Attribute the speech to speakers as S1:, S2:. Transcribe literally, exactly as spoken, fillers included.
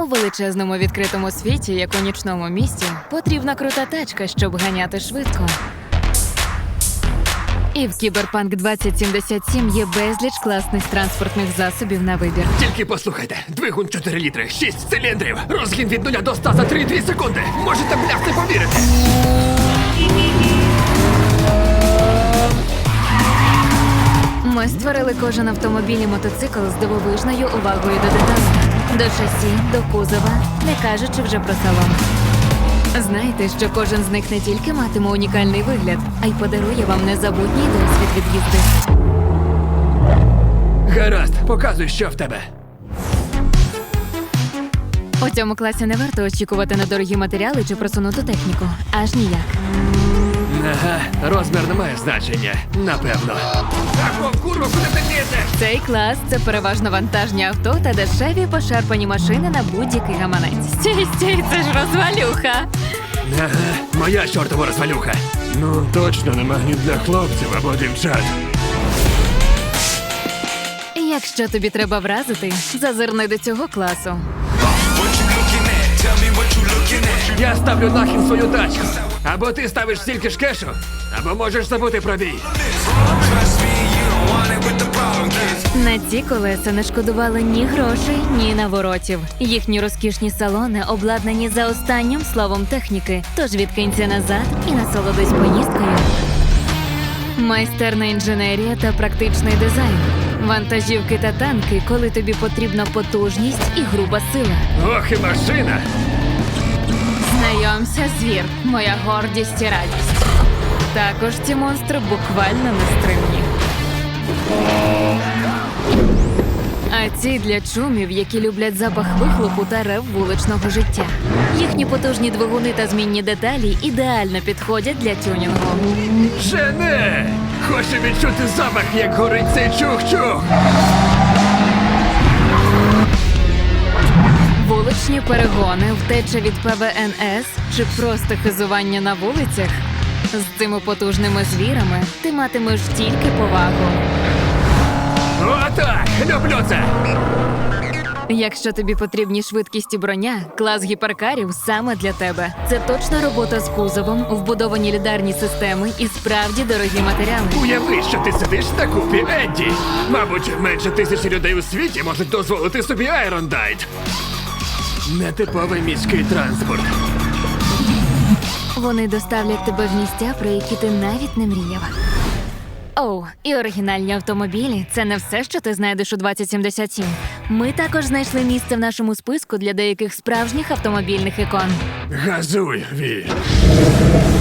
S1: У величезному відкритому світі, як у нічному місті, потрібна крута тачка, щоб ганяти швидко. І в Кіберпанк двадцять сімдесят сім є безліч класних транспортних засобів на вибір.
S2: Тільки послухайте. Двигун чотири літри, шість циліндрів. Розгін від нуля до ста за три цілих дві секунди. Можете, бляхти, повірити.
S1: Ми створили кожен автомобіль і мотоцикл з дивовижною увагою до деталей. До шасі, до кузова, не кажучи вже про салон. Знаєте, що кожен з них не тільки матиме унікальний вигляд, а й подарує вам незабутній досвід від їзди.
S2: Гаразд, показуй, що в тебе.
S1: У цьому класі не варто очікувати на дорогі матеріали чи просунуту техніку. Аж ніяк.
S2: Ага, розмір не має значення, напевно. Так, курва, куди ти лізеш?
S1: Цей клас – це переважно вантажні авто та дешеві пошарпані машини на будь-який гаманець. Стій, стій, це ж розвалюха!
S2: Ага, моя чортова розвалюха. Ну, точно не магніт для хлопців або дівчат.
S1: Якщо тобі треба вразити, зазирни до цього класу.
S2: Я ставлю нахід свою тачку. Або ти ставиш стільки ж кешу, або можеш забути про бій.
S1: На ці колеса не шкодували ні грошей, ні наворотів. Їхні розкішні салони обладнані за останнім словом техніки, тож відкинься назад і насолодись поїздкою. Майстерна інженерія та практичний дизайн. Вантажівки та танки, коли тобі потрібна потужність і груба сила.
S2: Ох, і машина!
S1: Знайомся, звір, моя гордість і радість. Також ці монстри буквально нестримні. А ці для чумів, які люблять запах вихлопу та рев вуличного життя. Їхні потужні двигуни та змінні деталі ідеально підходять для тюнінгу.
S2: Жене! Хочу відчути запах, як горить цей чух-чух!
S1: Вуличні перегони, втеча від Пе Ве Ен Ес чи просто хизування на вулицях. З цими потужними звірами ти матимеш тільки повагу.
S2: Отак! Люблю це!
S1: Якщо тобі потрібні швидкість і броня, клас гіперкарів саме для тебе. Це точна робота з кузовом, вбудовані лідарні системи і справді дорогі матеріали.
S2: Уяви, що ти сидиш на купі Едді. Мабуть, менше тисячі людей у світі можуть дозволити собі Айрондайт. Нетиповий міський транспорт.
S1: Вони доставлять тебе в місця, про які ти навіть не мріяв. Оу, і оригінальні автомобілі – це не все, що ти знайдеш у двадцять сімдесят сім. Ми також знайшли місце в нашому списку для деяких справжніх автомобільних ікон.
S2: Газуй, Ві.